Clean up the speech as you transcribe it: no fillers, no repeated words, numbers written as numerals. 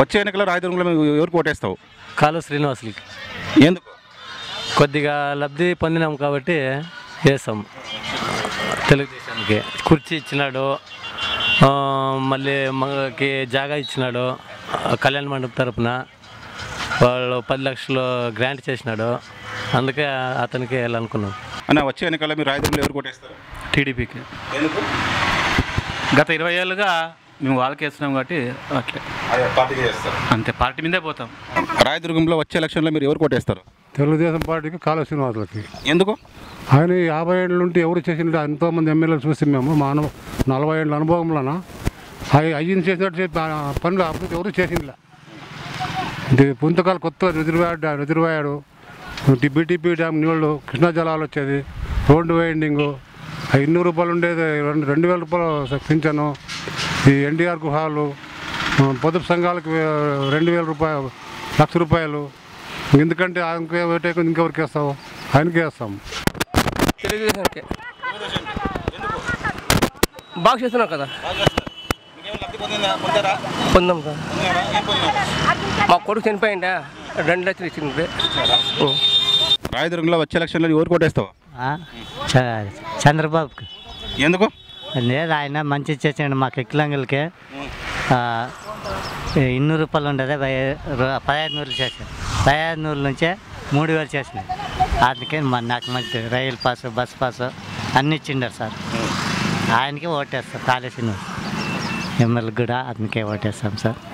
వచ్చే ఎన్నికల్లో రాయదుర్గంలో ఎవరికి ఓటేస్తావు? కాలు శ్రీనివాసులకి. ఎందుకు? కొద్దిగా లబ్ధి పొందినాం కాబట్టి వేస్తాం. తెలుగుదేశానికి కుర్చీ ఇచ్చినాడు, మళ్ళీ మనకి జాగా ఇచ్చినాడు, కళ్యాణ మండపం తరపున వాళ్ళు 10 లక్షలు గ్రాంట్ చేసినాడు. అందుకే అతనికి వెళ్ళాలనుకున్నాం. అన్న వచ్చే ఎన్నికల్లో మీరు రాయదుర్గంలో ఎవరికి ఓటేస్తారు? టీడీపీకి. ఎందుకు? గత 20 ఏళ్ళుగా మేము వాళ్ళకి వేస్తున్నాం కాబట్టి అట్లే పార్టీకి చేస్తారు. అంతే, పార్టీ మీదే పోతాం. రాయదుర్గంలో వచ్చే ఎలక్షన్లో మీరు ఎవరికి ఓటేస్తారు? తెలుగుదేశం పార్టీకి కాలువ శ్రీనివాసులకి. ఎందుకు? ఆయన 50 ఏళ్ళ నుండి ఎవరు చేసిన ఎంతోమంది ఎమ్మెల్యేలు చూసి మేము మా 40 ఏళ్ళ అనుభవంలోన అయ్యింది చేసినట్టు పనులు అభివృద్ధి ఎవరు చేసిందిలే. పుంతకాలు కొత్త రిజర్వాయర్, బీటీపీ డ్యామ్ నీళ్ళు, కృష్ణా జలాలు వచ్చేది, రోడ్డు వైండింగు, 200 రూపాయలు ఉండేది 2000 రూపాయలు పింఛను, ఈ ఎన్టీఆర్ గుహాలు, పొదుపు సంఘాలకు 2000 రూపాయలు, 1,00,000 రూపాయలు. ఎందుకంటే ఆయనకే ఓటేకు ఇంకెవరికి వేస్తావు? ఆయనకే వేస్తాం. తెలుగుదేశానికి బాగా చేస్తున్నాం కదా, పొందాం కదా. మా కొడుకు చనిపోయిందా 2 లక్షలు ఇచ్చింది. రాయదుర్గంలో వచ్చే ఎలక్షన్లో ఎవరికి ఓటేస్తావు? చంద్రబాబుకి. ఎందుకు? లేదు, ఆయన మంచి చేసాడు మాకు. ఎక్కిలంగలకి 200 రూపాయలు ఉండేది 1500 చేశాను. 1500 నుంచే 3000 చేసినాయి. అందుకే నాకు మంచి రైలు పాసు, బస్ పాసు అన్నీ ఇచ్చిండారు సార్. ఆయనకే ఓటేస్తాం. కాళేశ్వరం ఎమ్మెల్యే కూడా అందుకే ఓటేస్తాం సార్.